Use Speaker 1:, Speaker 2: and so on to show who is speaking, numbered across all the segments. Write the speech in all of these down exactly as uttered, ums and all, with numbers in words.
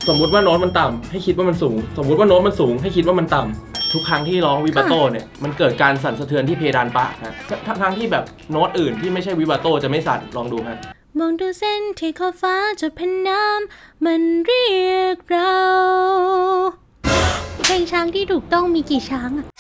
Speaker 1: สมมุติว่าโน้ตมันต่ำให้คิดว่ามันสูงสมมุติว่าโน้ตมันสูงให้คิดว่ามันต่ำทุกครั้งที่ร้องวิบาโตเนี่ยมันเกิดการสั่นสะเทือนที่เพดานปากฮะทั้งที่แบบโน้ตอื่นที่ไม่ใช่วิบาโตจะไม่สั่นลองดูฮะ
Speaker 2: มองดูเส้นที่ขอบฟ้าจะเป็นน้ำมันเรียกเราเพลงช้างที่ถูกต้องมีกี่ช้างอะ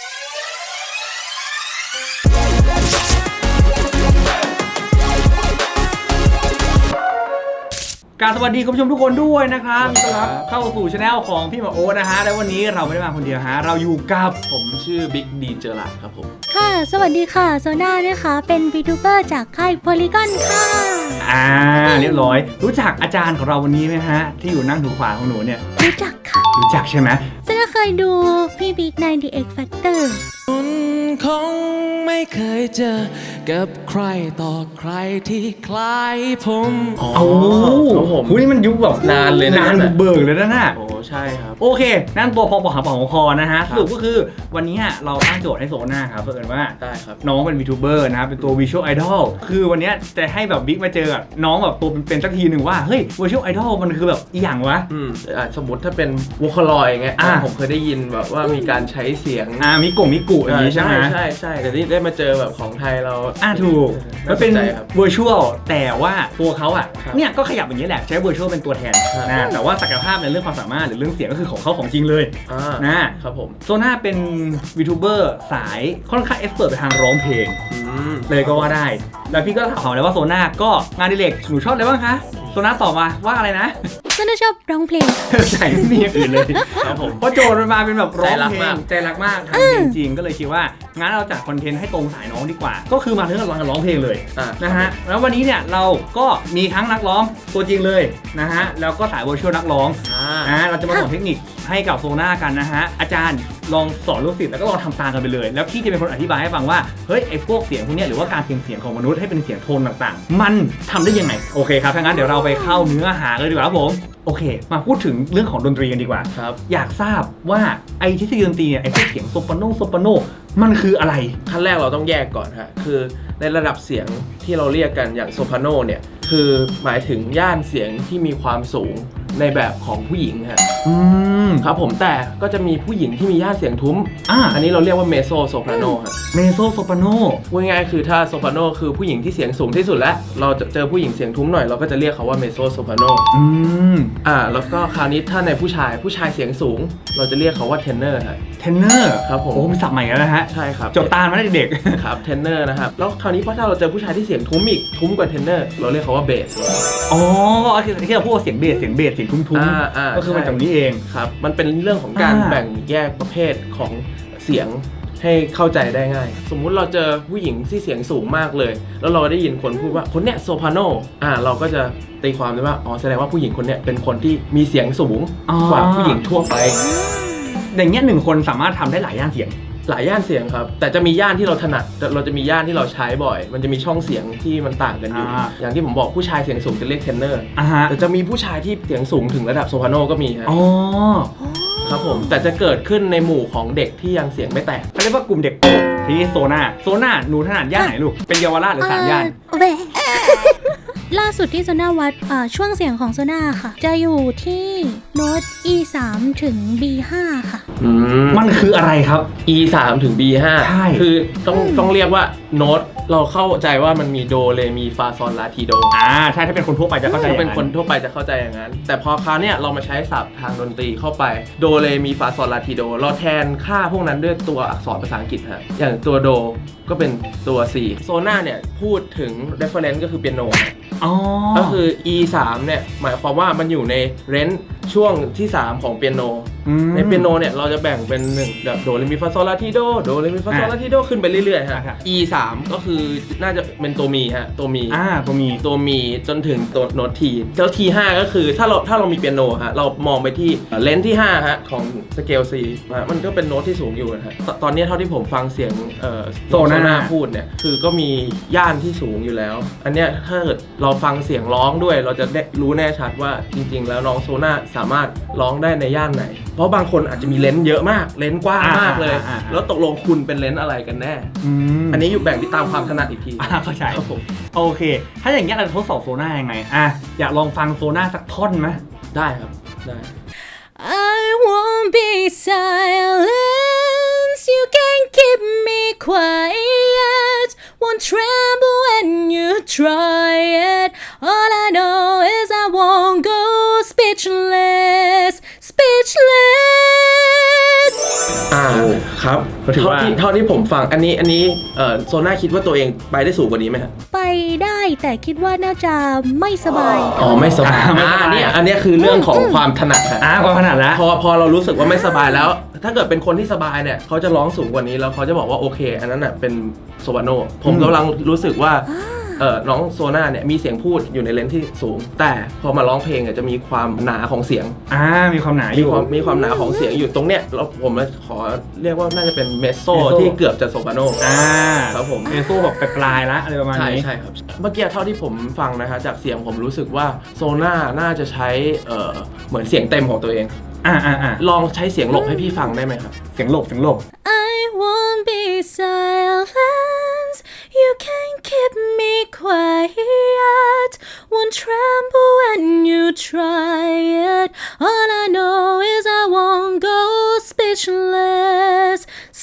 Speaker 3: การสวัสดีคุณผู้ชมทุกคนด้วยนะครับต้อนรับเข้าสู่ช anel ของพี่หมาโอ๊ตนะฮะและวันนี้เราไม่ได้มาคนเดียวฮะเราอยู่กับ
Speaker 1: ผมชื่อบิ๊กดีเจอร์ลาครับผม
Speaker 2: ค่ะสวัสดีค่ะโซน่านะคะเป็นวีทูเบอร์จากค่ายโพลีกอนค่ะ
Speaker 3: อ่าเรียบร้อยรู้จักอาจารย์ของเราวันนี้ไหมฮะที่อยู่นั่งถูขวาของหนูเนี่ย
Speaker 2: รู้จักค่ะ
Speaker 3: รู้จักใช่ไหม
Speaker 2: โซน่าเคยดูพี่บิ๊กใน The X Factor
Speaker 4: คุณคงไม่เคยเจอกับใครต่อใครที่คล้ายผม
Speaker 3: โอ้โหนี่มันยุคแบบ
Speaker 1: นานเลยนะ
Speaker 3: นานบุกเบิกเลยนะน่ะ
Speaker 1: โอ้ใช่ครับ
Speaker 3: โอเคนั่นตัวพอปอหาปอของคอนะฮะสรุปก็คือวันนี้เราตั้งโจทย์ให้โซน่าครับเพื่อนว่า
Speaker 1: ได้ครับ
Speaker 3: น้องเป็นวีทูเบอร์นะครับเป็นตัววิชวลไอดอลคือวันนี้จะให้แบบบิ๊กมาเจอน้องแบบตัวเป็นสักทีหนึ่งว่าเฮ้ยวิชวลไอดอลมันคือแบบอีหยังวะ
Speaker 1: อืมสมมติถ้าเป็นวอคลอยอย่างเงี้ยผมเคยได้ยินแบบว่ามีการใช้เสียง
Speaker 3: อ่ามิกุมิกุอย่างนี้ใช่ไหม
Speaker 1: ใช่ใช่แต่นี่ได้มาเจอแบบของไทยเรา
Speaker 3: อ่าถูกมันเป็นวิชวลแต่ว่าตัวเขาอ่ะเนี่ยก็ขยับอย่างนี้แหละใช้วิชวลเป็นตัวแทนนะแต่ว่าศักยภาพในเรื่องความสามารถหรือเรื่องเสียงก็คือของเขาของจริงเลย
Speaker 1: นะครับผม
Speaker 3: โซน่าเป็นวีทูเบอร์สายค่อนข้างเอ็กซ์เพิร์ทไปทางร้องเพลงเลยก็ว่าได้แล้วพี่ก็ถามเลยว่าโซน่าก็งานดิเรกหนูชอบอะไรบ้างคะโซน่าตอบมาว่าอะไรนะ
Speaker 2: โซน่าชอบร้องเพลง
Speaker 3: ใช่ไม่มีอย่างอื่นเลยครับผมเพราะโจทย์มันมาเป็นแบบร้องเพลงใจรักมากทำเพลงจริงก็เลยคิดว่างั้นเราจัดคอนเทนต์ให้ตรงสายน้องดีกว่าก็คือมาเรื่องการร้องเพลงเลยนะฮะแล้ววันนี้เนี่ยเราก็มีทั้งนักร้องตัวจริงเลยนะฮะแล้วก็สายเวอร์ชวลนักร้องอ่าเราจะมาสอนเทคนิคให้กับโซน่ากันนะฮะอาจารย์ลองสอนลูกศิษย์แล้วก็ลองทำตามกันไปเลยแล้วพี่จะเป็นคนอธิบายให้ฟังว่าเฮ้ยไอ้พวกเสียงพวกนี้หรือว่าการเปลี่ยนเสียงของมนุษย์ให้เป็นเสียงโทนต่างๆมันทำได้ยังไงโอเคครับถ้างั้นเดี๋ยวเราไปเข้าเนื้อหาเลยดีกว่าครับผมโอเคมาพูดถึงเรื่องของดนตรีกันดีกว่า
Speaker 1: ครับ
Speaker 3: อยากทราบว่าไอ้ทฤษฎีดนตรีเนี่ยไอ้พวกเสียงโซปราโนโซปราโนมันคืออะไร
Speaker 1: ขั้นแรกเราต้องแยกก่อนฮะคือในระดับเสียงที่เราเรียกกันอย่างโซปราโนเนี่ยคือหมายถึงย่านเสียงที่มีความสูงในแบบของผู้หญิงฮะ
Speaker 3: อืม
Speaker 1: ครับผมแต่ก็จะมีผู้หญิงที่มีย่านเสียงทุ้มอ่าอันนี้เราเรียกว่าเมโซโซปราโนฮะ
Speaker 3: เมโซโซปราโน
Speaker 1: พูดง่ายๆคือถ้าโซปราโนคือผู้หญิงที่เสียงสูงที่สุดแล้วเราจะเจอผู้หญิงเสียงทุ้มหน่อยเราก็จะเรียกเขาว่าเมโซโซปราโน
Speaker 3: อืม
Speaker 1: อ่าแล้วก็คราวนี้ถ้าในผู้ชายผู้ชายเสียงสูงเราจะเรียกเขาว่าเทนเนอร์ฮะ
Speaker 3: เทนเนอร์
Speaker 1: ครับผม
Speaker 3: โอ้มีศัพท์ใหม่แล้วนะฮะ
Speaker 1: ใช่ครับ
Speaker 3: จดตามมาได้เด็ก
Speaker 1: ครับเทนเนอร์นะครับแล้วคราวนี้พอถ้าเราเจอผู้ชายที่เสียงทุ้มอีกทุ้มกว่าเทนเนอร์เราเรียกเขาว่าเบส
Speaker 3: อ๋อที่เราพูดว่าเสียงเบสเสียงเบสเสียงทุ้มๆก็คือมันจากนี้เอง
Speaker 1: ครับมันเป็นเรื่องของการแบ่งแยกประเภทของเสียงให้เข้าใจได้ง่ายสมมุติเราเจอผู้หญิงที่เสียงสูงมากเลยแล้วเราได้ยินคนพูดว่าคนเนี้ยโซพราโนอ่าเราก็จะตีความได้ว่าอ๋อแสดงว่าผู้หญิงคนเนี้ยเป็นคนที่มีเสียงสูงกว่าผู้หญิงทั่วไป
Speaker 3: อย่างเงี้ยหนึ่งคนสามารถทำได้หลายย่านเสียง
Speaker 1: หลายย่านเสียงครับแต่จะมีย่านที่เราถนัดเราจะมีย่านที่เราใช้บ่อยมันจะมีช่องเสียงที่มันต่างกันอยู่ อ, อย่างที่ผมบอกผู้ชายเสียงสูงจะเรียกเทนเนอร์แต่จะมีผู้ชายที่เสียงสูงถึงระดับโซพราโนก็มีครับ
Speaker 3: อ๋อ
Speaker 1: ครับผมแต่จะเกิดขึ้นในหมู่ของเด็กที่ยังเสียงไม่แตก
Speaker 3: เขาเรียกว่ากลุ่มเด็กทีนี้โซน่าโซน่าหนูถนัดย่านไหนลูกเป็นเยาวราชหรือสามย่าน
Speaker 2: ล่าสุดที่โซน่าวัดช่วงเสียงของโซน่าค่ะจะอยู่ที่โน้ต อี สาม ถึง บี ห้า ค่ะ
Speaker 3: มันคืออะไรครับ
Speaker 1: อี สาม ถึง บี ห้า
Speaker 3: ใช่
Speaker 1: คือต้องต้องเรียกว่าโน้ตเราเข้าใจว่ามันมีโดเรมีฟาซอลลาทีโด
Speaker 3: อ่าใช่ถ้าเป็นคนทั่วไปจะเข้าใจอย่างนั้น
Speaker 1: เป็นคนทั่วไปจะเข้าใจอย่างนั้นแต่พอคราวนี้เรามาใช้ศัพท์ทางดนตรีเข้าไปโดเรมีฟาซอลลาทีโดเราแทนค่าพวกนั้นด้วยตัวอักษรภาษาอังกฤษฮะอย่างตัวโดก็เป็นตัว C โซน่าเนี่ยพูดถึง reference ก็คือเปียโนก็คือ อี สาม เนี่ยหมายความว่ามันอยู่ในเรนจ์ช่วงที่สามของเปียโนในเปียโนเนี่ยเราจะแบ่งเป็นหนึ่งแบบโดเรมีฟาโซลาทีโดโดเรมีฟาโซลาทีโดขึ้นไปเรื่อยๆฮะ อี สาม ก็คือน่าจะเป็นตัวมีฮะตัวมี
Speaker 3: อ่าตัวมี
Speaker 1: ตัวมีจนถึงตัวโน้ตทีแล้ว ที ห้า ก็คือถ้าเราถ้าเรามีเปียโนฮะเรามองไปที่เลนส์ที่ห้าฮะของสเกล C มันก็เป็นโน้ตที่สูงอยู่นะฮะตอนนี้เท่าที่ผมฟังเสียงเอ่อโซน่าพูดเนี่ยคือก็มีย่านที่สูงอยู่แล้วอันเนี้ยถ้าเกิดเราฟังเสียงร้องด้วยเราจะได้รู้แน่ชัดว่าจริงๆแล้วน้องโซน่าสามารถร้องได้ในย่านไหนเพราะบางคนอาจจะมีเลนส์เยอะมากเลนส์กว้างมากเลยแล้วตกลงคุณเป็นเลนส์อะไรกันแน่อันนี้อยู่แบ่งที่ตามความถนัดอีกที
Speaker 3: เข้าใจครับผมโอเคถ้าอย่างเงี้ยเราจะทดสอบโซน่ายังไงอ่ะอยากลองฟังโซน่าสักท่อนไหม
Speaker 1: ได้ครับได้
Speaker 2: silence. You can keep me quiet. Won't tremble when you try it. All I know is I won't go speechless, speechless.
Speaker 1: อ่าครับ
Speaker 3: ก็ถือ
Speaker 1: เท่า
Speaker 3: ว่า
Speaker 1: ที่เท่าที่ผมฟังอันนี้อันนี้เอ่อโซน่าคิดว่าตัวเองไปได้สูงกว่านี้ไหมครับ
Speaker 2: ไปได้แต่คิดว่าน่าจะไม่สบาย
Speaker 1: อ๋อไม่สบาย
Speaker 3: อ่าไม่สบาย
Speaker 1: อ่าเนี่ยอันเนี้ยคือเรื่องของความถนัดฮะ
Speaker 3: อ่าความขนาดแล้ว
Speaker 1: พอพอเรารู้สึกว่าไม่สบายแล้ว ถ้าเกิดเป็นคนที่สบายเนี่ยเขาจะร้องสูงกว่านี้แล้วเขาจะบอกว่าโอเค อันนั้นน่ะเป็นโซวาโนผมกำลังรู้สึกว่าเออน้องโซน่าเนี่ยมีเสียงพูดอยู่ในเลนส์ที่สูง แต่พอมาร้องเพลงเนี่ยจะมีความหนาของเสียง
Speaker 3: อ่ามีความหนาอ
Speaker 1: มี
Speaker 3: ยู่
Speaker 1: ความมีความหนาของเสียงอยู่ตรงเนี้ยแล้วผมขอเรียกว่าน่าจะเป็นเมโซ
Speaker 3: เมโซ
Speaker 1: ที่เกือบจะโซวาโน
Speaker 3: อ่า
Speaker 1: ครับผม
Speaker 3: เมโซแบบปลายๆละอะไรประมาณ
Speaker 1: ใช่
Speaker 3: นี้
Speaker 1: ใช่ครับเมื่อกี้เท่าที่ผมฟังนะคะจากเสียงผมรู้สึกว่าโซน่าน่าจะใช้เอ่อเหมือนเสียงเต็มของตัวเอง
Speaker 3: อ่าอ่าอ่า
Speaker 1: ลองใช้เสียงหลบให้พี่ฟังได้ไหมครับ
Speaker 3: เสียงหลบเสียงหลบ
Speaker 2: I won't be silent. You can keep me quiet. Won't tremble when you try it. All I know is I won't go speechless,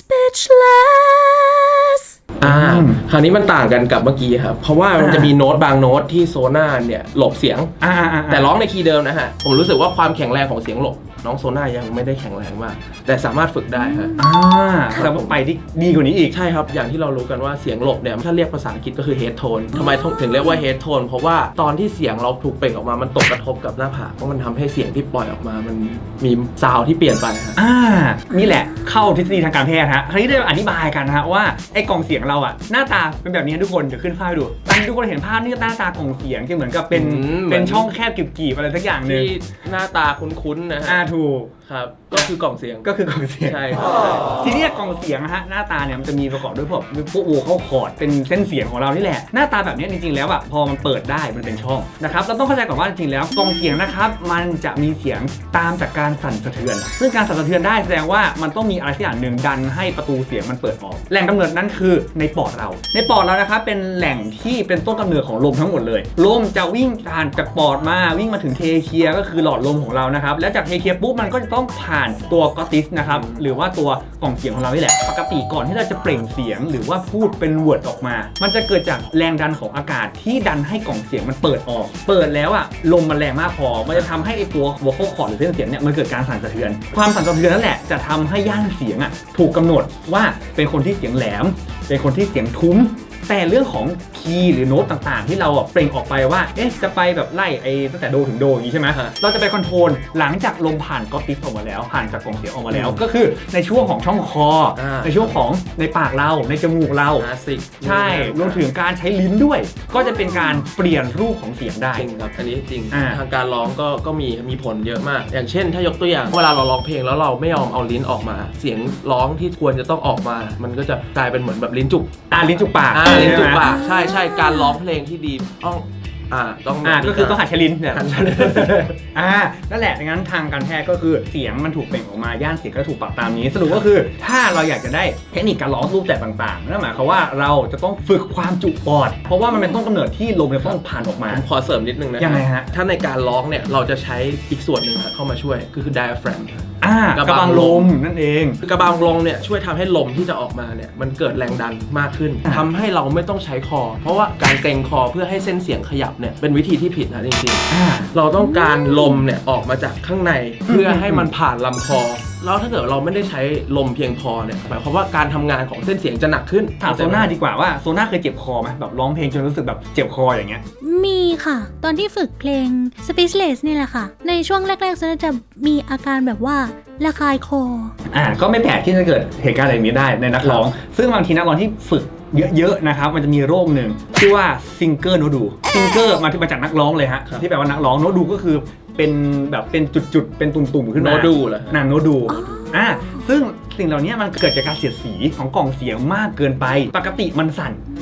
Speaker 2: speechless.
Speaker 1: อ่าคราวนี้มันต่างกันกับเมื่อกี้ครับ เพราะว่ามันจะมีโน้ตบางโน้ตที่โซน่าเนี่ยหลบเสียง
Speaker 3: อ่าอ่าอ่า
Speaker 1: แต่ร้องในคีย์เดิมนะฮะ ผมรู้สึกว่าความแข็งแรงของเสียงหลบน้องโซน่ายังไม่ได้แข็งแรงมาก แต่สามารถฝึกได้ฮะ
Speaker 3: อ่าแต่ว่าไปที่ดีกว่านี้อีก
Speaker 1: ใช่ครับ อย่างที่เรารู้กันว่าเสียงหลบเนี่ยถ้าเรียกภาษาอังกฤษก็คือ head tone ทำไมถึงเรียกว่า head tone เพราะว่าตอนที่เสียงเราถูกเปล่งออกมามันตกกระทบกับหน้าผากเพราะมันทำให้เสียงที่ปล่อยออกมามันมีซาวด์ที่เปลี่ยนไปฮะ
Speaker 3: อ่านี่แหละเข้าทฤษฎีทางการแพทย์ฮะคราวนี้ได้อธิบายกันนะฮะว่าไอ้กล่องเสียงเราอะหน้าตาเป็นแบบนี้ทุกคนเดี๋ยวขึ้นภาพให้ดูตอนทุกคนเห็นภาพนี่หน้าตากล่องเสียงที่เหมือนกับเป็น
Speaker 1: อืม
Speaker 3: เป็นช่องแคบกีบๆอะไรสักอย่างหนึ่ง
Speaker 1: ที่หน้าตาคุ้นๆนะ
Speaker 3: อ่า
Speaker 1: ฮะ
Speaker 3: ถูก
Speaker 1: ครับก็คือกล่องเสียง
Speaker 3: ก็คือกล่องเสียง
Speaker 1: ใช่ครับ
Speaker 3: ทีนี้กล่องเสียงนะฮะหน้าตาเนี่ยมันจะมีประกอบด้วยพวกพวกโวเข้าคอร์ดเป็นเส้นเสียงของเรานี่แหละหน้าตาแบบนี้จริงๆแล้วอะพอมันเปิดได้มันเป็นช่องนะครับเราต้องเข้าใจก่อนว่าจริงๆแล้วกล่องเสียงนะครับมันจะมีเสียงตามจากการสั่นสะเทือน ซึ่งการสั่นสะเทือนได้แสดงว่ามันต้องมีอะไรสักอย่างหนึ่งดันให้ประตูเสียงมันเปิดออกแหล่งกำเนิดนั้นคือในปอดเราในปอดเรานะครับเป็นแหล่งที่เป็นต้นกำเนิดของลมทั้งหมดเลยลมจะวิ่งผ่านจากปอดมาวิ่งมาถึงเทเคียก็คือหลอดลมของเรานะครับแล้วจากเทเคียปุ๊บมันก็จะต้องผ่านตัวกอติสนะครับหรือว่าตัวกล่องเสียงของเรานี่แหละปกติก่อนที่เราจะเปล่งเสียงหรือว่าพูดเป็นเวิร์ดออกมามันจะเกิดจากแรงดันของอากาศที่ดันให้กล่องเสียงมันเปิดออกเปิดแล้วอะลมมันแรงมากพอมันจะทำให้ไอตัว vocal cord หรือเส้นเสียงเนี่ยมันเกิดการสั่นสะเทือนความสั่นสะเทือนนั่นแหละจะทำให้ย่านเสียงอะถูกกำหนดว่าเป็นคนที่เสียงแหลมเป็นคนที่เสียงทุ้มแต่เรื่องของคีย์หรือโน้ตต่างๆที่เราเปล่งออกไปว่าเอ๊ะจะไปแบบไล่ไอ้ตั้งแต่โดถึงโดอย่างนี้ใช่ไหมเราจะไปคอนโทรลหลังจากลมผ่านก๊อตติสออกมาแล้วผ่านจากกล่องเสียงออกมาแล้วก็คือในช่วงของช่องคอในช่วงของในปากเราในจมูกเรา
Speaker 1: นาสิก
Speaker 3: ใช่รวมถึงการใช้ลิ้นด้วยก็จะเป็นการเปลี่ยนรูปของเสียงได้
Speaker 1: จริงครับอันนี้จริง
Speaker 3: อ่า
Speaker 1: ทางการร้องก็ก็มีมีผลเยอะมาก อย่างเช่น ถ้ายกตัวอย่างเวลาเราร้องเพลงแล้วเราไม่ยอมเอาลิ้นออกมา เสียงร้องที่ควรจะต้องออกมา มันก็จะกลายเป็นเหมือนแบบลิ้นจุก
Speaker 3: อ่าลิ้นจุกปาก
Speaker 1: อ่าลิ้นจุกปาก
Speaker 3: ใช่ไหม
Speaker 1: ใช่ใช่การร้องเพลงที่ดีต้องอ่าต้อง
Speaker 3: อ่าก็คือต้องหัดใช้ลิ้นเนี่ย
Speaker 1: หัดใช้ลิ้น
Speaker 3: อ่านั่นแหละดังนั้นทางการแพทย์ก็คือเสียงมันถูกเปล่งออกมาย่านเสียงก็ถูกปรับตามนี้สรุปก็คือถ้าเราอยากจะได้เทคนิคการร้องรูปแบบต่างๆนั่นหมายความว่าเราจะต้องฝึกความจุปอดเพราะว่ามันเป็นต้นกำเนิดที่ลมจะต้องผ่านออกมา
Speaker 1: ผมขอเสริมนิดนึงนะ
Speaker 3: ยังไงฮะ
Speaker 1: ถ้าในการร้องเนี่ยเราจะใช้อีกส่วนหนึ่งครับเข้ามาช่วยก็คือ diaphragm ครับ
Speaker 3: อ่ากระบังลมนั่นเอง
Speaker 1: กระบังลมเนี่ยช่วยทำให้ลมที่จะออกมาเนี่ยมันเกิดแรงดันมากขึ้น
Speaker 3: อ่า
Speaker 1: ทำให้เราไม่ต้องใช้คอ เพราะว่าการเกร็งคอเพื่อให้เส้นเสียงขยับเนี่ยเป็นวิธีที่ผิดนะจริง
Speaker 3: อ่า
Speaker 1: ๆเราต้องการลมเนี่ยออกมาจากข้างในเพื่อให้มันผ่านลำคอแล้วถ้าเกิดเราไม่ได้ใช้ลมเพียงพอเนี่ยหมายความว่าการทำงานของเส้นเสียงจะหนักขึ้น
Speaker 3: ถามโซน่าดีกว่าว่าโซน่าเคยเจ็บคอไหมแบบร้องเพลงจนรู้สึกแบบเจ็บคออย่างเงี้ย
Speaker 2: มีค่ะ ตอนที่ฝึกเพลง Speechless นี่แหละค่ะ ในช่วงแรกๆจะมีอาการแบบว่าระคายคอ
Speaker 3: อ่าก็ไม่แปลกที่จะเกิดเหตุการณ์อะไรแบบนี้ได้ในนักร้อง ซึ่งบางทีนักร้องที่ฝึกเยอะๆนะครับมันจะมีโรคหนึ่งชื่อว่าซิงเกอร์โนดูซิงเกอร์มาที่มาจากนักร้องเลยฮะที่แปลว่านักร้องโนดูก็คือเป็นแบบเป็นจุดๆเป็นตุ่มๆขึ้นมา
Speaker 1: โนดูเหรอ
Speaker 3: นั่นโนดูอ่าซึ่งสิ่งเหล่านี้มันเกิดจากการเสียดสีของกล่องเสียงมากเกินไปปกติมันสั่น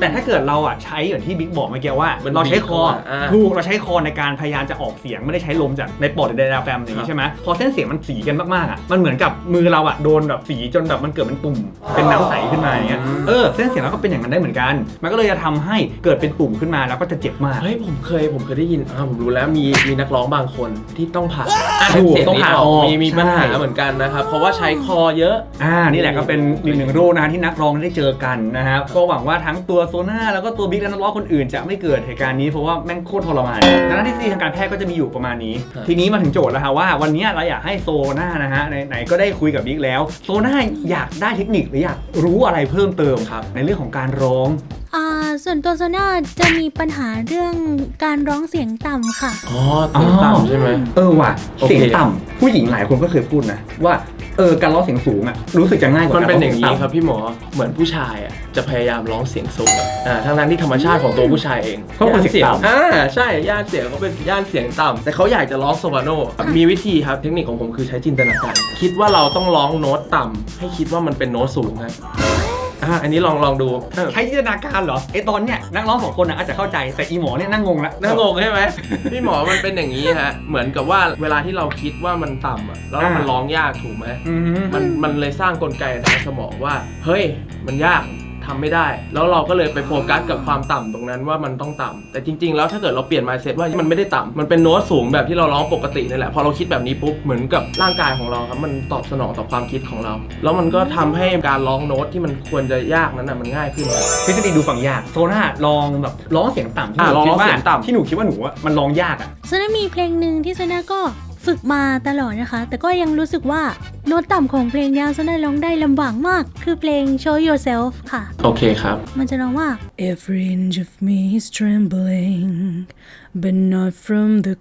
Speaker 3: แต่ถ้าเกิดเราอ่ะใช้อย่างที่บิ๊กบอกเมื่อกี้ว่า
Speaker 1: มัน
Speaker 3: เราใช้คอ
Speaker 1: อ่า
Speaker 3: ถูกเราใช้คอในการพยายามจะออกเสียงไม่ได้ใช้ลมจากในปอดหรือไดอะแฟรมอย่างนี้ใช่ไหมพอเส้นเสียงมันสีกันมากๆอ่ะมันเหมือนกับมือเราอ่ะโดนแบบสีจนแบบมันเกิดเป็นตุ่มเป็นน้ำใสขึ้นมาอย่างเงี้ยเออเส้นเสียงเราก็เป็นอย่างนั้นได้เหมือนกันมันก็เลยจะทำให้เกิดเป็นตุ่มขึ้นมาแล้วก็จะเจ็บมาก
Speaker 1: เฮ้ยผมเคยผมเคยได้ยินอ่าผมรู้แล้วมีมีนักร้องบางคนที่ต้องผ่า
Speaker 3: อ่ะถูก
Speaker 1: เสีย
Speaker 3: ต้องผ่า
Speaker 1: นี้
Speaker 3: ออก
Speaker 1: มีมีปัญหา
Speaker 3: ใช่
Speaker 1: เหมือนกันนะครับเพราะว่าใช้คอเยอะ
Speaker 3: อ่านี่แหละก็เป็นหนึ่งหนึ่งโรคนะที่นักร้องได้เจอกันนะครับก็หวังว่าทั้งตัวโซน่าแล้วก็ตัวบิ๊กและนักร้องคนอื่นจะไม่เกิดเหตุการณ์นี้เพราะว่าแม่งโคตรทรมานดังนั้นทฤษฎีทางการแพทย์ก็จะมีอยู่ประมาณนี้
Speaker 1: ครับ
Speaker 3: ทีนี้มาถึงโจทย์แล้วฮะว่าวันนี้เราอยากให้โซน่านะฮะไหนๆก็ได้คุยกับบิ๊กแล้วโซน่าอยากได้เทคนิคหรืออยากรู้อะไรเพิ่มเติม
Speaker 1: ครับ
Speaker 3: ในเรื่องของการร้อง
Speaker 2: อ่าส่วนตัวโซน่าจะมีปัญหาเรื่องการร้องเสียงต่ำค่ะ
Speaker 1: อ๋อเสียงต่ำใช่ไหม
Speaker 3: เออว่ะ
Speaker 1: โอเค
Speaker 3: เสียงต่ำผู้หญิงหลายคนก็เคยพูดนะว่าเออการร้องเสียงสูงอ่ะรู้สึกจะง่ายกว่า
Speaker 1: มัน
Speaker 3: การ
Speaker 1: เป็น
Speaker 3: ร้อง
Speaker 1: อ
Speaker 3: เสี
Speaker 1: ย่าย ง
Speaker 3: ง
Speaker 1: นี้
Speaker 3: ต่ำ
Speaker 1: ครับพี่หมอเหมือนผู้ชายอ่ะจะพยายามร้องเสียงสูงอ่าทั้งนั้นที่ธรรมชาติของตัวผู้ชายเอง
Speaker 3: เขาเป็นเสียงต่ำ
Speaker 1: อ่าใช่ย่านเสียงเขาเป็นย่านเสียงต่ำแต่เขาอยากจะร้องโซปราโนมีวิธีครับเทคนิคของผมคือใช้จินตนาการคิดว่าเราต้องร้องโน้ตต่ำให้คิดว่ามันเป็นโน้ตสูงครับอ่าอันนี้ลองลองดู
Speaker 3: ใช้จินตนาการเหรอไอตอนเนี้ยนักร้องสองคนน่ะอาจจะเข้าใจแต่อีหมอเนี่ยนั่งงงแล้ว
Speaker 1: น่างงใช่ไหม พี่หมอมันเป็นอย่างนี้ฮะเหมือนกับว่าเวลาที่เราคิดว่ามันต่ำอ่ะแล้วมันร้องยากถูกไหม
Speaker 3: อืม
Speaker 1: มันมันเลยสร้างกลไกในสมองว่าเฮ้ยมันยากทำไม่ได้ แล้วเราก็เลยไปโฟกัสกับความต่ำตรงนั้นว่ามันต้องต่ำแต่จริงๆแล้วถ้าเกิดเราเปลี่ยน mindset ว่ามันไม่ได้ต่ำมันเป็นโน้ตสูงแบบที่เราร้องปกตินี่แหละพอเราคิดแบบนี้ปุ๊บเหมือนกับร่างกายของเราครับมันตอบสนองต่อความคิดของเรา แล้วมันก็ทำให้การร้องโน้ตที่มันควรจะยากนั้นน่ะมันง่ายขึ้น
Speaker 3: ทฤษฎีดูฟังยากโซน่าลองแบบร้องเสียงต่ำที่ห
Speaker 1: อ่ะ
Speaker 3: นู
Speaker 1: ลอง
Speaker 3: คิดว่า
Speaker 1: เสียงต่ำ
Speaker 3: ที่หนูคิดว่าหนูอะมันร้องยากอ่ะ
Speaker 2: โซน่ามีเพลงหนึ่งที่โซน่าก็ฝึกมาตลอดนะคะ แต่ก็ยังรู้สึกว่าโน้ตต่ำของเพลงนี้โซน่าร้องได้ลำบากมาก คือเพลง Show Yourself ค่ะ
Speaker 1: โอเคครับ
Speaker 2: มันจะร้องว่า Every inch of me is trembling but not from the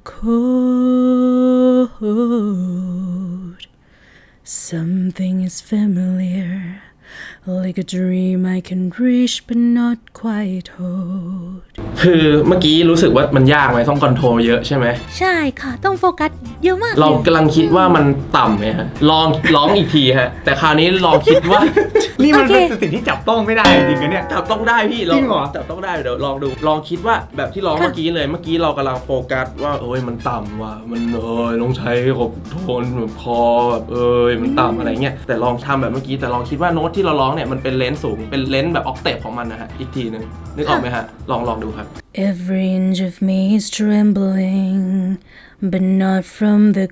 Speaker 2: cold Something is familiar like a dream I can reach but not quite hold
Speaker 1: คือเมื่อกี้รู้สึกว่ามันยากไหมต้องคอนโทรลเยอะใช่ไหม
Speaker 2: ใช่ค่ะ ต้องโฟกัสเยอะมาก
Speaker 1: เรา
Speaker 2: ลย
Speaker 1: กำลังคิดว่ามันต่ำไงฮะลองร้องอีกทีฮะแต่คราวนี้ลองคิดว่า
Speaker 3: นี่มัน
Speaker 2: โอเค
Speaker 3: เป็นสิ่งที่จับต้องไม่ได้จริงๆนะเนี่ย
Speaker 1: จับต้องได้พี่ล
Speaker 3: จริ
Speaker 1: อง
Speaker 3: งเหรอ
Speaker 1: จับต้องได้เดี๋ยวลองดูลองคิดว่าแบบที่ร้องเมื่อกี้เลยเมื่อกี้เรากำลังโฟกัสว่าเอ้ยมันต่ำว่ะมันเอ้ยต้องใช้ขบโทนแบบคอแบบเอ้ยมันต่ำอะไรเงี้ยแต่ลองทำแบบเมื่อกี้แต่ลองคิดว่าโน้ตที่เราร้องเนี่ยมันเป็นเลนส์สูงเป็นเลนส์แบบออกเทปของมันนะฮะอีกทีนึงนึกออกไหมฮะลองลองดูครับ
Speaker 2: Every inch of me is trembling but not from the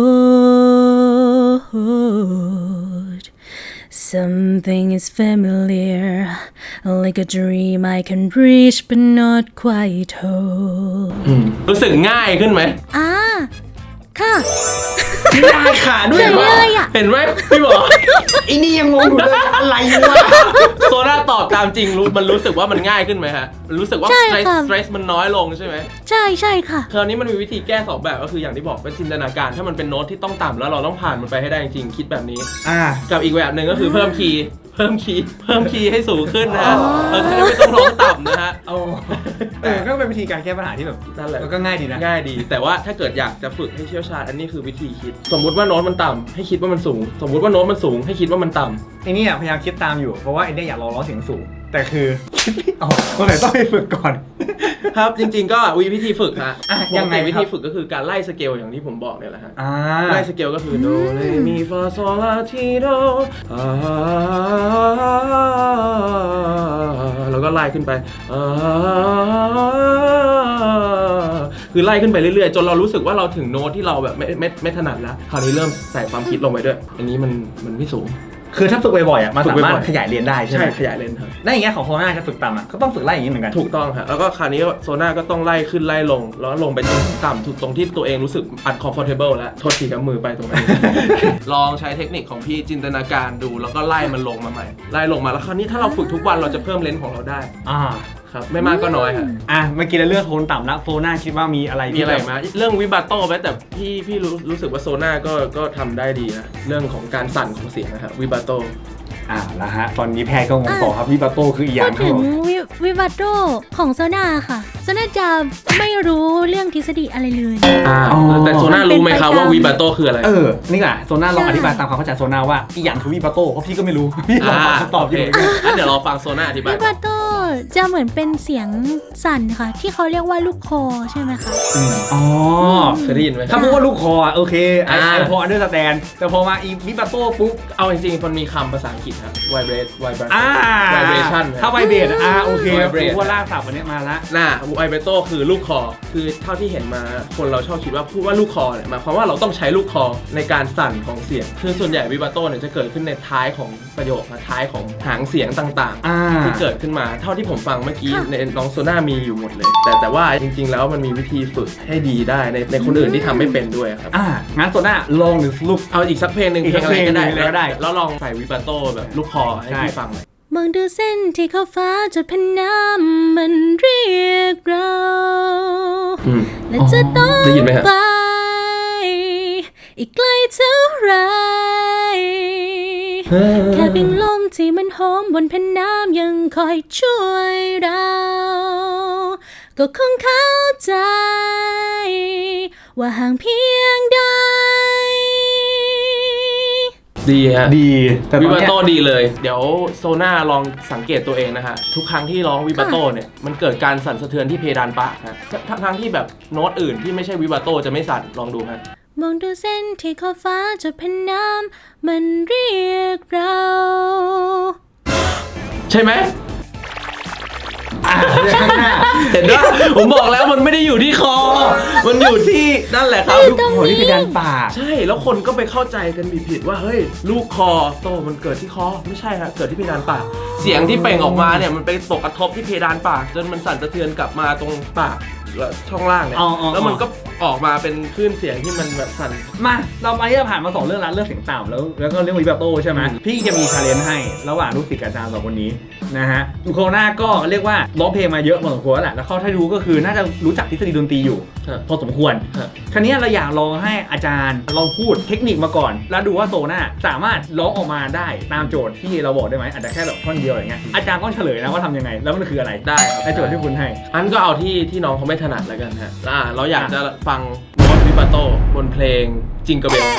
Speaker 2: cold Something is familiar like a dream I can reach but not quite hold
Speaker 1: อืมรู้สึกง่ายขึ้นไหม
Speaker 2: อ่าค่ะ
Speaker 3: ไม่ได้ค่ะด้วย
Speaker 2: เฉยเลยอะ
Speaker 1: เห็นไหมพี่หมอ
Speaker 3: ไอ้นี่ยังงงอยู่เลยอะไรวะ
Speaker 1: โซน่าตอบตามจริงรู้มันรู้สึกว่ามันง่ายขึ้นไหมฮะมันรู้สึกว่า
Speaker 2: ใช่
Speaker 1: สเตรส
Speaker 2: ค่ะ
Speaker 1: สเตรสมันน้อยลงใช่ไหม
Speaker 2: ใช่ใช่ค่ะ
Speaker 1: คราวนี้มันมีวิธีแก้สองแบบก็คืออย่างที่บอกเป็นจินตนาการถ้ามันเป็นโน้ตที่ต้องต่ำแล้วเราต้องผ่านมันไปให้ได้จริงๆคิดแบบนี้
Speaker 3: อ่า
Speaker 1: กับอีกแบบหนึ่งก็คือเพิ่มคีย์เพิ่มคีย์เพิ่มคีย์ให้สูงขึ้นนะฮะเออจะได้ไม่ต้องร้องต่ำนะฮะ
Speaker 3: เอาเออก็เป็นวิธีการแก้ปัญหาที่แบบ
Speaker 1: นั่นแหละ
Speaker 3: ก็ง่ายดีนะ
Speaker 1: ง่ายดี แต่ว่าถ้าเกิดอยากจะฝึกให้เชี่ยวชาญอันนี้คือวิธีคิด สมมุติว่าโน้ตมันต่ำให้คิดว่ามันสูง สมมุติว่าโน้ตมันสูงให้คิดว่ามันต่ำ
Speaker 3: ไอ้นี่อ่ะพยายามคิดตามอยู่เพราะว่าไอ้เนี่ยอยากลองร้องเสียงสูงแต่คือคิดไม่ออกคนไหนต้องไปฝึกก่อน
Speaker 1: ครับจริงๆก็วิวิธีฝึกฮะ
Speaker 3: อ่ะ
Speaker 1: ป
Speaker 3: ยั
Speaker 1: ก
Speaker 3: งไง
Speaker 1: ติ
Speaker 3: ครับ
Speaker 1: วิธีฝึกก็คือการไล่สเกลอย่างที่ผมบอกเนี่ยแหละฮะ
Speaker 3: อ่า
Speaker 1: ไล่สเกลก็คือโดเรมีฟาโซลาทีโดอ่าแล้วก็ไล่ขึ้นไปอ่าคือไล่ขึ้นไปเรื่อยๆจนเรารู้สึกว่าเราถึงโน้ตที่เราแบบไม่ไม่ไม่ถนัดแล้วคราวนี้เริ่มใส่ความคิดลงไปด้วย อันนี้มันมันไม่สูง
Speaker 3: คือถ้าฝึกบ่อยๆอ่ะมัน
Speaker 1: ฝึก
Speaker 3: สา
Speaker 1: บ่อยๆ
Speaker 3: มารถขยายเรียนได้ใช่ไหม
Speaker 1: ใช่ขยายเลนส์ครับ
Speaker 3: ได้อย่างเงี้ยของโซน่าจะฝึกต่ำอ่ะก็ต้องฝึกไล่อย่างนี้เหมือนกัน
Speaker 1: ถูกต้องครับแล้วก็คราวนี้โซน่าก็ต้องไล่ขึ้นไล่ลงแล้วลงไปต่ำถูกตรงที่ตัวเองรู้สึก uncomfortable แล้วโทษทีครับมือไปตรงนั้น ลองใช้เทคนิคของพี่จินตนาการดูแล้วก็ไล่มันลงมาใหม่ไล่ลงมาแล้วคราวนี้ถ้าเราฝึกทุกวันเราจะเพิ่มเลนส์ของเราได้
Speaker 3: อ่า
Speaker 1: ครับไม่มากก็น้อยครับ
Speaker 3: อ่ะเมื่อกี้เราเลือกโทนต่ำแล้วโซน่าคิดว่ามีอะไร
Speaker 1: มี
Speaker 3: ที่
Speaker 1: อะไร
Speaker 3: แบบ
Speaker 1: มาเรื่องวิบาโต้ไหมแต่พี่พี่รู้รู้สึกว่าโซน่าก็ก็ทำได้ดีนะเรื่องของการสั่นของเสียงนะครับวิบาโต้
Speaker 3: อ่าแล้วฮะตอนนี้แพทย์ก็งงต่อครับวิบาโต้คืออีกอ
Speaker 2: พู
Speaker 3: ย่า
Speaker 2: ด
Speaker 3: งครั
Speaker 2: ถึ
Speaker 3: บ
Speaker 2: ง
Speaker 3: ผม
Speaker 2: วิวิวัตโตของโซน่าค่ะโซน่าจะไม่รู้เรื่องทฤษฎีอะไรเลย
Speaker 1: อ่า
Speaker 3: อ๋อ
Speaker 1: แต่โซน่ารู้ไหมครับว่าวีบาโตคืออะไร
Speaker 3: เออนี่แหละโซน่าลอง
Speaker 2: ใช่
Speaker 3: อธิบายตามความเข้าใจโซน่าว่าอีกอย่างคือวิบาโต้เพราะพี่ก็ไม่รู้ พี่ลองฟังคำตอบ
Speaker 1: โอ
Speaker 3: อ
Speaker 1: เค
Speaker 3: ยู่
Speaker 1: งั้นเดี๋ยวเราฟังโซน่าอธิบาย
Speaker 2: วิวัตโตจะเหมือนเป็นเสียงสั่นค่ะ ที่เขาเรียกว่าลูกคอใช่ไหมคะ
Speaker 3: อ๋อ
Speaker 1: เคยได้ยินไหม
Speaker 3: ถ้าพูดว่าลูกคออ่ะโอเคไอ
Speaker 1: อ่า
Speaker 3: ไอพออันเดอร์สแตนแต่พอมาอีวิบาโต้ปุ๊บ
Speaker 1: เอาจริงๆมันมีคำภาษาอังกฤษครับ vibrate vibrate
Speaker 3: อ่า
Speaker 1: vibration
Speaker 3: ถ้าไวเบรดอ่าโอเค
Speaker 1: vibrate
Speaker 3: รู้ว่าลากศัพท์อันนี้มาละ
Speaker 1: น่า vibrato คือลูกคอ คือเท่าที่เห็นมาคนเราชอบคิดว่าพูดว่าลูกคอเนี่ยหมายความว่าเราต้องใช้ลูกคอในการสั่นของเสียง คือส่วนใหญ่ vibrato เนี่ยจะเกิดขึ้นในท้ายของประโยคนะท้ายของหางเสียงต่าง
Speaker 3: อ่า
Speaker 1: ๆ ที่เกิดขึ้นมาเท่าที่ผมฟังเมื่อกี้ในน้องโซน่ามีอยู่หมดเลย แต่แต่ว่าจริงๆแล้วมันมีวิธีฝึกให้ดีได้ในในคนอื่นที่ทำไม่เป็นด้วยครับ
Speaker 3: อ่างั้นโซน่าลองหรือลูก
Speaker 1: เอาอีกสักเพลงหนึ่ง
Speaker 3: อีก
Speaker 1: เพลงอะไรก็ได้
Speaker 3: เพลงหนึ่งก็ได้
Speaker 1: แล้วลองใส่วิบาโต้แบบลูกคอให้
Speaker 3: ใช่
Speaker 1: พี่ฟังหน่อย
Speaker 2: มองดูเส้นที่เขาฟ้าจดแผ่นน้ำมันเรียกเรา
Speaker 1: อืม
Speaker 2: และจะต้อง
Speaker 1: ได้ยินไหมฮะ
Speaker 2: ไป อีกไกลเท่าไร แค่เพียงลมที่มันหอมบนแผ่นน้ำยังคอยช่วยเรา ก็คงเข้าใจ ว่าห่างเพียงใด
Speaker 1: ดีฮะ
Speaker 3: ดีแต่ต
Speaker 1: วิ
Speaker 3: อน
Speaker 1: บา
Speaker 3: เนี้ย
Speaker 1: โต้ดีเลย เดี๋ยวโซน่าลองสังเกตตัวเองนะฮะ ทุกครั้งที่ร้องวิบาโต้เนี่ย มันเกิดการสั่นสะเทือนที่เพดานปากฮะทั้งทั้งที่แบบโน้ตอื่นที่ไม่ใช่วิบาโต้จะไม่สั่น ลองดูฮะ
Speaker 2: มองดูเส้นที่ขอบฟ้าจดแผ่นน้ำมันเรียกเรา
Speaker 1: ใช่ไหม
Speaker 3: อ่าข้างหน้า
Speaker 1: เห็นว่าผมบอกแล้วมันไม่ได้อยู่ที่คอ มันอยู่ที่นั่นแหละครับ
Speaker 3: ลูกโหที่เพดานปาก
Speaker 1: ใช่ แล้วคนก็ไปเข้าใจกันผิดๆว่าเฮ้ยลูกคอโตมันเกิดที่คอไม่ใช่ฮะเกิดที่เพดานปาก เสียงที่เปล่งออกมาเนี่ยมันไปตกกระทบที่เพดานปาก จนมันสั่นสะเทือนกลับมาตรงปากและช่องล่างเนี่ย
Speaker 3: อ๋ออ๋อ
Speaker 1: แล้วมันก็ออกมาเป็นคลื่นเสียงที่มันแบบสั่น
Speaker 3: มาเรามาที่เราผ่านมาสองเรื่องแล้วเรื่องเสียงต่ำแล้วแล้วก็เรื่องวิบาโต้ใช่ไหม
Speaker 1: อืม
Speaker 3: พี่จะมีชาเลนจ์ให้ระหว่างลูกศิษย์กับอาจารย์สองคนนี้นะฮะโคโรนาก็เรียกว่าร้องเพลงมาเยอะพอสมควรแล้วแหละแล้วเขาถ้ารู้ก็คือน่าจะรู้จักทฤษฎีดนตรีอยู่
Speaker 1: ฮะ
Speaker 3: พอสมควร
Speaker 1: ฮะ
Speaker 3: คราวนี้เราอยากลองให้อาจารย์ลองพูดเทคนิคมาก่อน แล้วดูว่าโซน่าสามารถร้องออกมาได้ตามโจทย์ที่เราบอกได้ไหมอาจจะแค่แบบท่อนเดียวอะไรเงี้ยอาจารย์ก็เฉลยนะว่าทำยังไงแล้วมันคืออะไร
Speaker 1: ได้ครับ
Speaker 3: ในโจทย์ที่คุณให้
Speaker 1: อันก็เอาที่ที่น้องเขาไม่ถนัดแล้วกันฮะอ่าเราอยากจะฟังโน้ตวิบาโต้บนเพลงจิงกระเบล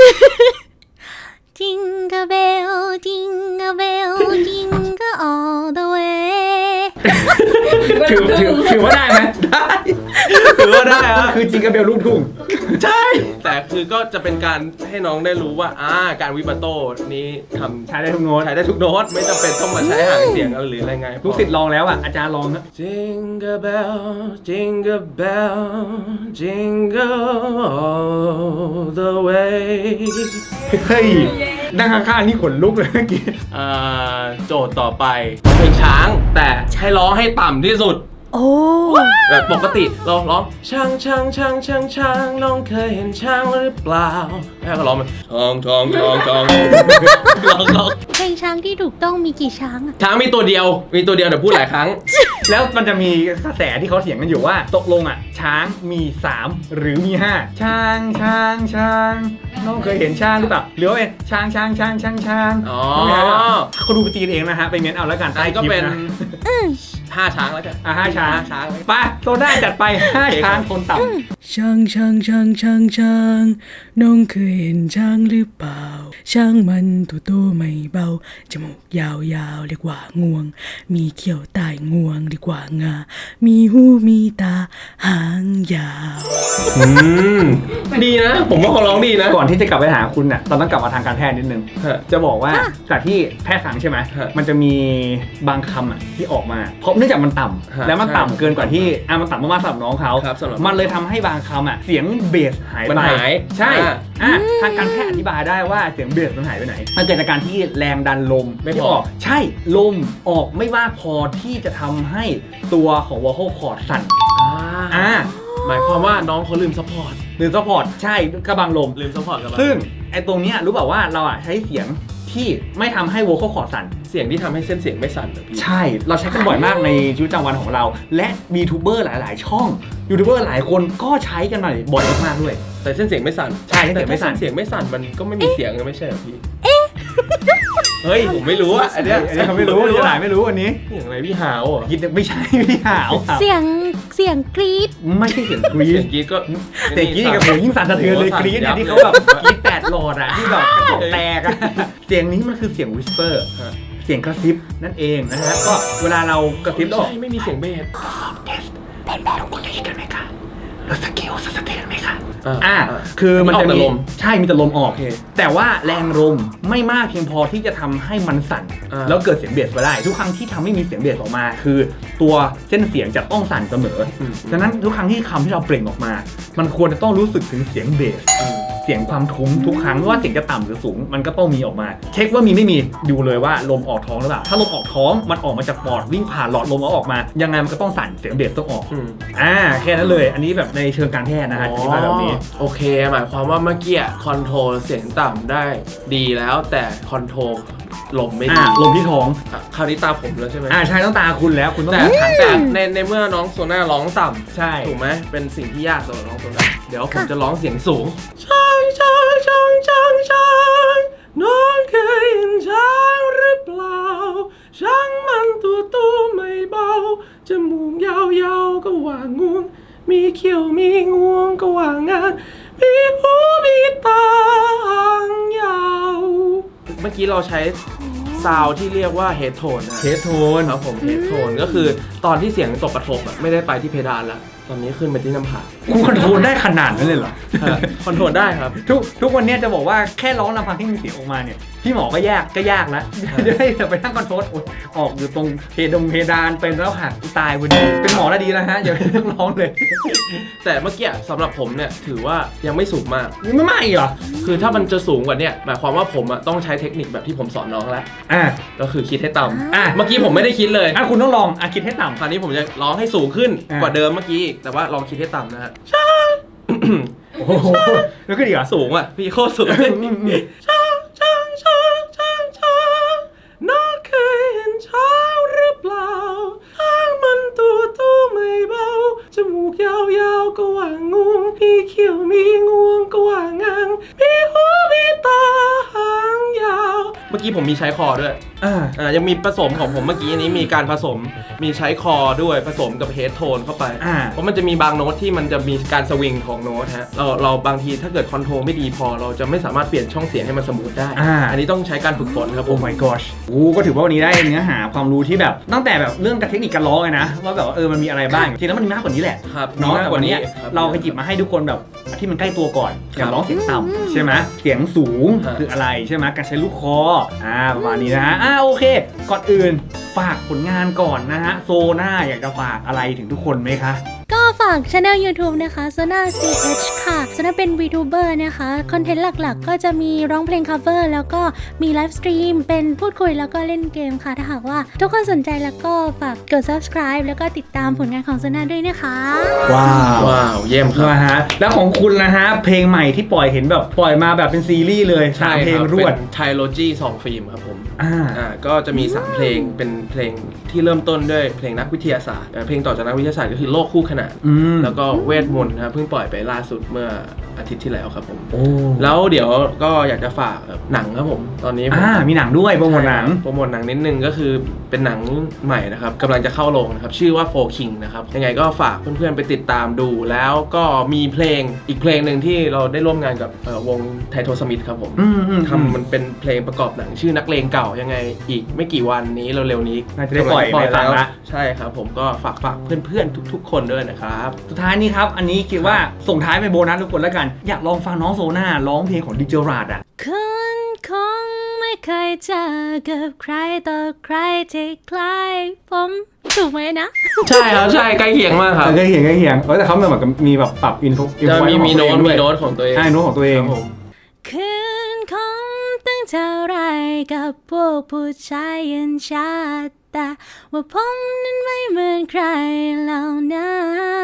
Speaker 2: Jingle bell Jingle bell Jingle all the way
Speaker 3: ถือถือถือว่าได้ไหม
Speaker 1: ได้ถือว่าได้ฮะ
Speaker 3: คือจิงกระเบลลูกทุ่ง
Speaker 1: ใช่ แต่คือก็จะเป็นการให้น้องได้รู้ว่าอ่าการวิบาโต้นี้ทำ
Speaker 3: ใช้ได้ทุกโน้ต
Speaker 1: ใช้ได้ทุกโน้ตไม่จำเป็นต้องมาใช้หางเสียงหรืออะไรไง
Speaker 3: ลูกศิษย์ลองแล้วอ่ะอาจารย์ลองนะ
Speaker 1: Jingle bell Jingle bell Jingle all the way
Speaker 3: เฮ้ยนั่งข้างๆนี่ขนลุกเลยเมื่อกี้
Speaker 1: อ่าโจทย์ต่อไปเพลงช้างแต่ให้ร้องให้ต่ำที่สุด
Speaker 2: โอ้
Speaker 1: แบบปกติเราร้องช้างช้างช้างช้างช้างน้องเคยเห็นช้างหรือเปล่าแม่ก็ร้องมันทองทองทองทองร้องร้อง
Speaker 2: เพลงช้างที่ถูกต้องมีกี่ช้างอะ
Speaker 1: ช้างมีตัวเดียวมีตัวเดียวเดี๋ยวพูดหลายครั้ง
Speaker 3: แล้วมันจะมีกระแสที่เขาเถียงกันอยู่ว่าตกลงอ่ะช้างมีสามหรือมีห้าช้างช้างช้างน้องเคยเห็นช้างหรือเปล่าหรือว่าเป็นช้างช้างช้างช้างช้าง
Speaker 1: อ๋อ
Speaker 3: เขาดูไปตีกันเองนะฮะไปเม้นเอาแล้วกัน
Speaker 1: อัน
Speaker 3: ใต้
Speaker 1: นี้
Speaker 3: ค
Speaker 1: ก็
Speaker 3: ลิป
Speaker 1: เป็น
Speaker 3: นะ
Speaker 1: ห้าช้างแล้วกัน
Speaker 3: อ่ะห้าช้าง
Speaker 1: ห้าช้าง
Speaker 3: ไปโซน่าจัดไปห้าช้างคนต่ำ
Speaker 5: ช้างช้างช้างช้างช้างน้องเคยเห็นช้างหรือเปล่า ช้างมันตัวโตไม่เบา จมูกยาวยาวเรียกว่างวง มีเขี้ยวใต้งวงเรียกว่างา มีหูมีตาหางยาว
Speaker 1: อืมดีนะ ผมว่าเขาร้องดีนะ
Speaker 3: ก่อนที่จะกลับไปหาคุณน่ะเราต้องกลับมาทางการแพทย์นิดนึง
Speaker 1: ฮะ
Speaker 3: จะบอกว่าจากที่แพทย์สั่งใช่ไหม
Speaker 1: ฮะ
Speaker 3: มันจะมีบางคำอ่ะที่ออกมา เพราะเนื่องจากมันต่
Speaker 1: ฮะ
Speaker 3: ำแล้วมัน
Speaker 1: ใช่
Speaker 3: ต่ำเกินกว่าที่อ่ะมันต่ำมากๆสำหรับน้องเขา
Speaker 1: ครับสำหรับ
Speaker 3: มันเลยทำให้บางคำอ่ะเสียงเบสหายไป
Speaker 1: มันหาย
Speaker 3: ใช่
Speaker 1: อ่า
Speaker 3: อ่ะทางการแพทย์อธิบายได้ว่าเสียงเบสมันหายไปไหน มันเกิดจากการที่แรงดันลม
Speaker 1: ไม่พอ
Speaker 3: ที่ออกใช่ลมออกไม่มากพอที่จะทำให้ตัวของ vocal cord สั่น
Speaker 1: อ่า
Speaker 3: อ่า
Speaker 1: หมายความว่าน้องเขาลืมซัพพอร์ต
Speaker 3: หรือ support ใช่กระบังลม
Speaker 1: ลืมซัพพอร์ตกับเรา
Speaker 3: ซึ่งไอ้ตรงเนี้ยรู้เปล่าว่าเราอ่ะใช้เสียงที่ไม่ทำให้ vocal cord สั่น
Speaker 1: เสียงที่ทำให้เส้นเสียงไม่สั่นเหรอพี่
Speaker 3: ใช่ เราใช้กันบ่อยมากในชีวิตประจำวันของเรา และมียูทูบเบอร์หลาย ๆ ช่องยูทูบเบอร์หลายคนก็ใช้กันมาบ่อยมากๆด้วย
Speaker 1: แต่เส้นเสียงไม่สั่น
Speaker 3: ใช่เส้นเสียงไม่สั่น
Speaker 1: แต่ถ้าเสียงไม่สั่นมันก็ไม่มีเสียงเลยไม่ใช่เหรอพี่เฮ้ยผมไม่รู้อะอันเนี้ย
Speaker 3: อันนี้เขาไม่รู้จะหลายไม่รู้อันนี้
Speaker 1: เสียงอะไรพี่หาวเหรอ
Speaker 3: คิดไม่ใช่พี่หาว
Speaker 2: เสียงเสียงกรี๊ด
Speaker 3: ไม่ใช่เสียงกรี๊
Speaker 1: เสี
Speaker 3: ด
Speaker 1: ยงกรี๊ดก็
Speaker 3: เสียงกรี๊ดกับผมยิ่งสั่นสะเทือนเลยกรี๊ดเนี่ยที่เขาแบบกรี๊ดแปดหลอดอะที่แบบกระจกแตกอะเสียงนี้มันคือเสียงวิสเปอร์เสียงกระซิบนั่นเองนะฮะก็เวลาเรากระซิบแล้ว
Speaker 1: ใช่ไม่มีเสียงเบส
Speaker 3: ทุกคนได้ยินกันไหมคะเราสเกลสะเทือนไหมคะ
Speaker 1: อ่า
Speaker 3: อ่าคือมันจะ
Speaker 1: ออกแต่
Speaker 3: มี
Speaker 1: ลม
Speaker 3: ใช่มีแต่ลมออก
Speaker 1: โอเค
Speaker 3: แต่ว่าแรงลมไม่มากเพียงพอที่จะทำให้มันสั่น
Speaker 1: อ่า
Speaker 3: แล้วเกิดเสียงเบสมาได้ ทุกครั้งที่ทำให้มีเสียงเบสออกมา คือตัวเส้นเสียงจะต้องสั่นเสมออดังนั้นทุกครั้งที่คำที่เราเปล่งออกมา มันควรจะต้องรู้สึกถึงเสียงเบส เสียงความทุ้มทุกครั้งไม่ว่าเสียงจะต่ำหรือสูงมันก็ต้องมีออกมา เช็คว่ามีไม่มีดูเลยว่าลมออกท้องหรือเปล่าถ้าลมออกท้องมันออกมาจากปอดวิ่งผ่านหลอดลมแล้วออกมายังไงมันก็ต้องสั่นเสียงเบสต้องออก
Speaker 1: อืม
Speaker 3: อ่าแค่นั้นเลยอันนี้แบบในเชิงการแพทย์นะฮะอธิบายแบบนี้
Speaker 1: โอเคหมายความว่าเมื่อกี้คอนโทรลเสียงต่ำได้ดีแล้วแต่คอนโทรลลมไม่ดี
Speaker 3: อ่าลมที่ท้อง
Speaker 1: อ่ะคราวนี้ตาผมแล้วใช่ไหม
Speaker 3: อ่าใช่ต้องตาคุณแล้วคุณต้อง
Speaker 1: แต่
Speaker 3: ขัน
Speaker 1: แต่
Speaker 3: ตา
Speaker 1: ในในเมื่อน้องโซน่าร้องต่ำ
Speaker 3: ใช่
Speaker 1: ถูกไหมเป็นสิ่งที่ยากสำหรับน้องโซน่าเดี๋ยวผมจะร้องเสียงสูงช้างช้างช้างช้างช้างน้องเคยเห็นช้างหรือเปล่าช้างมันตัวโตไม่เบาจมูกยาวๆก็ว่างวงมีเขี้ยวมีงวงก็ว่างานมีหูมีตาหางยาวเมื่อกี้เราใช้ซาวด์ที่เรียกว่าเฮดโทนนะ
Speaker 3: เทสโทน
Speaker 1: ครับผมเฮดโทนก็คือตอนที่เสียงตกกระทบอะไม่ได้ไปที่เพดานละตอนนี้ขึ้นไปที่น้ำผาก
Speaker 3: คุณคอนโทรลได้ขนาดนั้นเลยเหรอ
Speaker 1: คอนโทรลได้ครับ
Speaker 3: ทุกทุกวันเนี้ยจะบอกว่าแค่ร้องลำพังที่มีเสียงออกมาเนี่ยพี่หมอก็ยากก็ยากแล้วจะได้ไปนั่งคอนโทรลโอ๊ยออกอยู่ตรงเพดงเพดานเป็นแล้วหักตายพอดีเป็นหมอแล้วดีแล้วฮะอย่าไปนั่งร้องเลย
Speaker 1: แต่เมื่อกี้สำหรับผมเนี่ยถือว่ายังไม่สูงมาก
Speaker 3: นี่ไม่ไม่เหรอ
Speaker 1: คือถ้ามันจะสูงกว่าเนี้หมายความว่าผมอะต้องใช้เทคนิคแบบที่ผมสอนน้องแล้ว
Speaker 3: อ่ะ
Speaker 1: ก็คือคิดให้ต่ำ
Speaker 3: อ่ะ
Speaker 1: เมื่อกี้ผมไม่ได้คิดเลย
Speaker 3: อ่ะคุณต้องลองอ่ะคิดให้ต่ำ
Speaker 1: คราวนี้ผมจะร้องให้สูงขึ้น
Speaker 3: อ่ะ
Speaker 1: กว่าเดิมเมื่อกี้อีกแต่ว่าลองคิดให้ต่ำนะฮะ
Speaker 3: โอ้โหแล้วก็ดีเหรอ
Speaker 1: สูงอ่ะพี่โคตรสูงช้างช้างช้างช้างช้างน้องเคยเห็นช้างหรือเปล่าช้างมันตัวโตไม่เบาจมูกยาวๆก็ว่างงวงพี่เขียวมีงวงก็ว่างางพี่หูมีตาหางยาวเมื่อกี้ผมมีใช้คอด้วย
Speaker 3: อ่า
Speaker 1: อ่ายังมีผสมของผมเมื่อกี้นี้มีการผสมมีใช้คอด้วยผสมกับเฮดโทนเข้าไป
Speaker 3: อ่า
Speaker 1: เพราะมันจะมีบางโน้ตที่มันจะมีการสวิงของโน้ตฮะเราเราบางทีถ้าเกิดคอนโทรลไม่ดีพอเราจะไม่สามารถเปลี่ยนช่องเสียงให้มันสมูทได้
Speaker 3: อ่า
Speaker 1: อันนี้ต้องใช้การฝึกฝนครับผ
Speaker 3: โอ้
Speaker 1: ม
Speaker 3: my gosh โอ้ก็ถือว่าวันนี้ได้เนื้อหาความรู้ที่แบบตั้งแต่แบบเรื่องการเทคนิคการร้องเลยนะว่าแบบว่าเออมันมีอะไรบ้างจริงๆแล้วมันมีมากกว่านี้แหละ
Speaker 1: ครับ
Speaker 3: เนาะ
Speaker 1: มาก
Speaker 3: แต่
Speaker 1: ก
Speaker 3: วั
Speaker 1: ว่าน นี้
Speaker 3: เนี้ย
Speaker 1: ครับ
Speaker 3: เราไปหยิบมาให้ทุกคนแบบที่มันใกล้ตัวก่อนอย่าง
Speaker 1: ครับ
Speaker 3: ร้องเสียงต่ำใช่ไหมเสียงสูง
Speaker 1: ฮะ
Speaker 3: คืออะไรใช่ไหมการใช้ลูกคออ่าประมาณนี้นะฮะอ่าโอเค ก่อนอื่นฝากผลงานก่อนนะฮะโซน่าอยากจะฝากอะไรถึงทุกคนไหมคะ
Speaker 2: ก็ฝากช anel YouTube นะคะ Sona ซี เอช ค่ะ Sona เป็น VTuber นะคะ คอนเทนต์หลักๆ ก็จะมีร้องเพลง cover แล้วก็มีไลฟ์สตรีมเป็นพูดคุยแล้วก็เล่นเกมค่ะ ถ้าหากว่าทุกคนสนใจแล้วก็ฝากกด subscribe แล้วก็ติดตามผลงานของ Sona ด้วยนะคะ
Speaker 3: ว้าว
Speaker 1: ว้าวเยี่ยมครับ
Speaker 3: นะฮะแล้วของคุณนะฮะเพลงใหม่ที่ปล่อยเห็นแบบปล่อยมาแบบเป็นซีรีส์เลยสามเพลงรวด
Speaker 1: ไทโลจีสองฟิล์มครับผม
Speaker 3: อ่า
Speaker 1: อ่าก็จะมีสามเพลงเป็นเพลงที่เริ่มต้นด้วยเพลงนักวิทยาศาสตร์เอ่อเพลงต่อจากนักวิทยาศาสตร์ก็คือโลกคู่ขนาน
Speaker 3: อืม
Speaker 1: แล้วก็เวทมนต์นะครับเพิ่งปล่อยไปล่าสุดเมื่ออาทิตย์ที่แล้วครับผม
Speaker 3: โอ้
Speaker 1: แล้วเดี๋ยวก็อยากจะฝากหนังครับผมตอนนี้ผม
Speaker 3: อ่ามีหนังด้วยโปรโมทหนัง
Speaker 1: โปรโมทหนังนิดนึงก็คือเป็นหนังใหม่นะครับกำลังจะเข้าโรงนะครับชื่อว่า Four King นะครับยังไงก็ฝากเพื่อนๆไปติดตามดูแล้วก็มีเพลงอีกเพลงหนึ่งที่เราได้ร่วมงานกับเอ่อวงไทโทสมิธครับผม
Speaker 3: อืมอืม
Speaker 1: ทำมันเป็นเพลงประกอบหนังชื่อนักเลงเก่ายังไงอีกไม่กี่วันนี้เร็วๆนี้
Speaker 3: น่าจะได้ปล่อย
Speaker 1: กำง
Speaker 3: ในฟังละ
Speaker 1: ใช่ครับผมก็ฝากฝากเพื่อนๆทุกๆ คนด้วยนะครับ
Speaker 3: สุดท้ายนี้ครับ อันนี้คิดว่าส่งท้ายเป็นโบนัสทุกคนแล้วกัน อยากลองฟังน้องโซน่าร้องเพลงของดิเจอราดอ่ะ
Speaker 2: คุณคงไม่เคยเจอกับใครต่อใครที่คล้ายผมถูกไหมนะ
Speaker 1: ใช่ครับใช่ใกล้เคียงมากครับ
Speaker 3: ใกล้เคียงใกล้เคียงเออแต่เขาเหมือนกับมีแบบปรับอินโฟ
Speaker 1: จะมีมีโน้ตมีโน้ตของตัวเอง
Speaker 3: ใช่โน้ตของตัวเอง
Speaker 1: ครับผม
Speaker 2: คืนคงตั้งเท่าไรกับพวกผู้ชายยันชาติแต่ว่าผมนั้นไม่เหมือนใครเหล่านั้น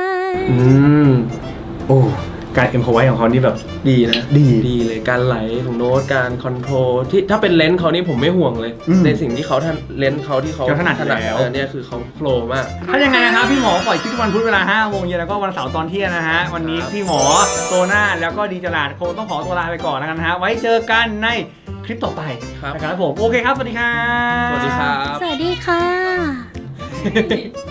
Speaker 1: อืม
Speaker 3: โอ้การเอ็มพอไว้ของเขานี่แบบ
Speaker 1: ดีนะ
Speaker 3: ดี
Speaker 1: ดีเลยการไหลของโน้ตการคอนโทรลที่ถ้าเป็นเลนส์เขานี่ผมไม่ห่วงเลย
Speaker 3: อืม
Speaker 1: ในสิ่งที่เขาท่านเลนส์เขาที่เขา
Speaker 3: เขาถนัดอยู่แล้ว
Speaker 1: เออเนี่ยคือเขาโฟล์มาก
Speaker 3: ถ้ายังไงนะครับพี่หมอปล่อยคลิปทุกวันพุธเวลาห้าโมงเย็นแล้วก็วันเสาร์ตอนเที่ยงนะฮะวันนี้พี่หมอโซน่าแล้วก็ดีจลาดคงต้องขอตัวลาไปก่อนแล้วกันนะฮะไว้เจอกันในคลิปต่อไป
Speaker 1: ครับ
Speaker 3: นะครับผมโอเคครับสวัสดีครับ
Speaker 1: สวัสดีครับ
Speaker 2: สวัสดีค่ะ